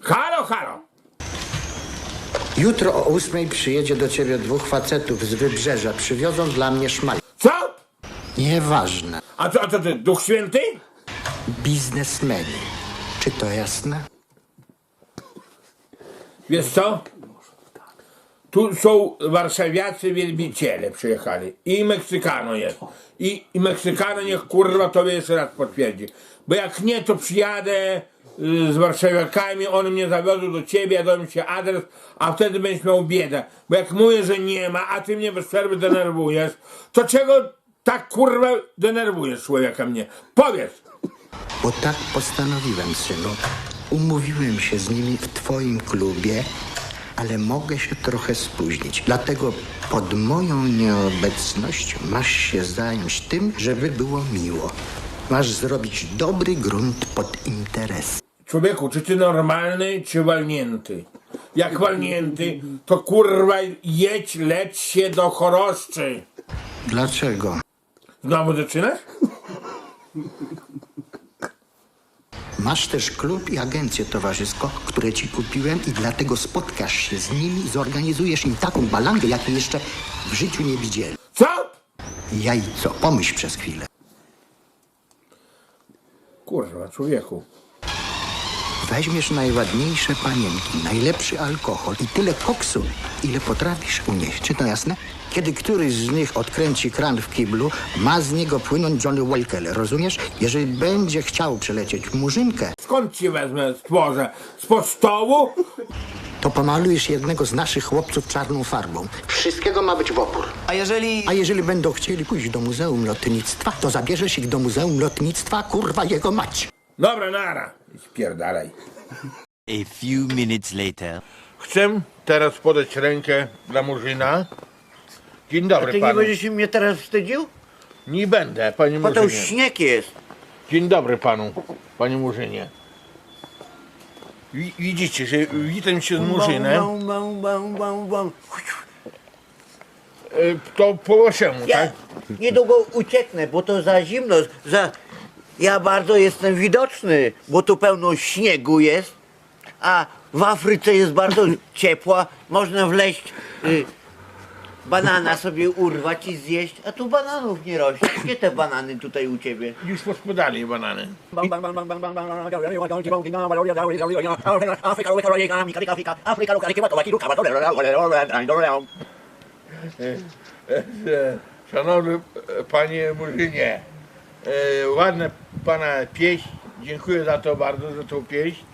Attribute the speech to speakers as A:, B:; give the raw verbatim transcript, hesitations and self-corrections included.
A: Halo, halo!
B: Jutro o ósmej przyjedzie do ciebie dwóch facetów z Wybrzeża. Przywiozą dla mnie szmal.
A: Co?
B: Nieważne.
A: A co, a co ty, Duch Święty?
B: Biznesmeni. Czy to jasne?
A: Wiesz co? Tu są warszawiacy wielbiciele przyjechali. I Meksykano jest. I, I Meksykano niech kurwa tobie jeszcze raz potwierdzi. Bo jak nie, to przyjadę y, z warszawiakami, one mnie zawiozą do ciebie, ja dam ci adres, a wtedy będziesz miał biedę. Bo jak mówię, że nie ma, a ty mnie bez przerwy denerwujesz, to czego tak kurwa denerwujesz człowieka mnie? Powiedz!
B: Bo tak postanowiłem, synu. Umówiłem się z nimi w twoim klubie, ale mogę się trochę spóźnić. Dlatego pod moją nieobecność masz się zająć tym, żeby było miło. Masz zrobić dobry grunt pod interes.
A: Człowieku, czy ty normalny, czy walnięty? Jak walnięty, to kurwa jedź, leć się do Choroszczy.
B: Dlaczego?
A: Znowu zaczynasz?
B: Masz też klub i agencję towarzyską, które ci kupiłem i dlatego spotkasz się z nimi i zorganizujesz im taką balangę, jakiej jeszcze w życiu nie widzieli.
A: Co?
B: Jajco, pomyśl przez chwilę.
A: Kurwa, człowieku.
B: Weźmiesz najładniejsze panienki, najlepszy alkohol i tyle koksu, ile potrafisz unieść. Czy to jasne? Kiedy któryś z nich odkręci kran w kiblu, ma z niego płynąć Johnny Walker, rozumiesz? Jeżeli będzie chciał przelecieć murzynkę,
A: Skąd ci wezmę stworze? Spod stołu?
B: to pomalujesz jednego z naszych chłopców czarną farbą. Wszystkiego ma być w opór.
C: A jeżeli...
B: A jeżeli będą chcieli pójść do Muzeum Lotnictwa, to zabierzesz ich do Muzeum Lotnictwa, kurwa jego mać.
A: Dobra, nara. Spierdalaj.
D: A few minutes later.
A: Chcę teraz podać rękę dla Murzyna. Dzień dobry
C: Ty nie
A: panu.
C: będziesz się mnie teraz wstydził?
A: Nie będę, panie
C: Bo to
A: Murzynie.
C: śnieg jest.
A: Dzień dobry panu, panie Murzynie. Wi- Widzicie, że witam się z Murzynem.
C: Bum, bum, bum, bum, bum.
A: E, To po waszemu,
C: Ja
A: tak?
C: niedługo ucieknę, bo to za zimno. Za... Ja bardzo jestem widoczny, bo tu pełno śniegu jest, a w Afryce jest bardzo ciepła. Można wleźć, y, banana sobie urwać i zjeść, a tu bananów nie rośnie. Gdzie te banany tutaj u ciebie?
A: Już pospodali banany. Szanowny panie Murzynie, e, ładna pana pieśń, dziękuję za to bardzo, za tą pieśń.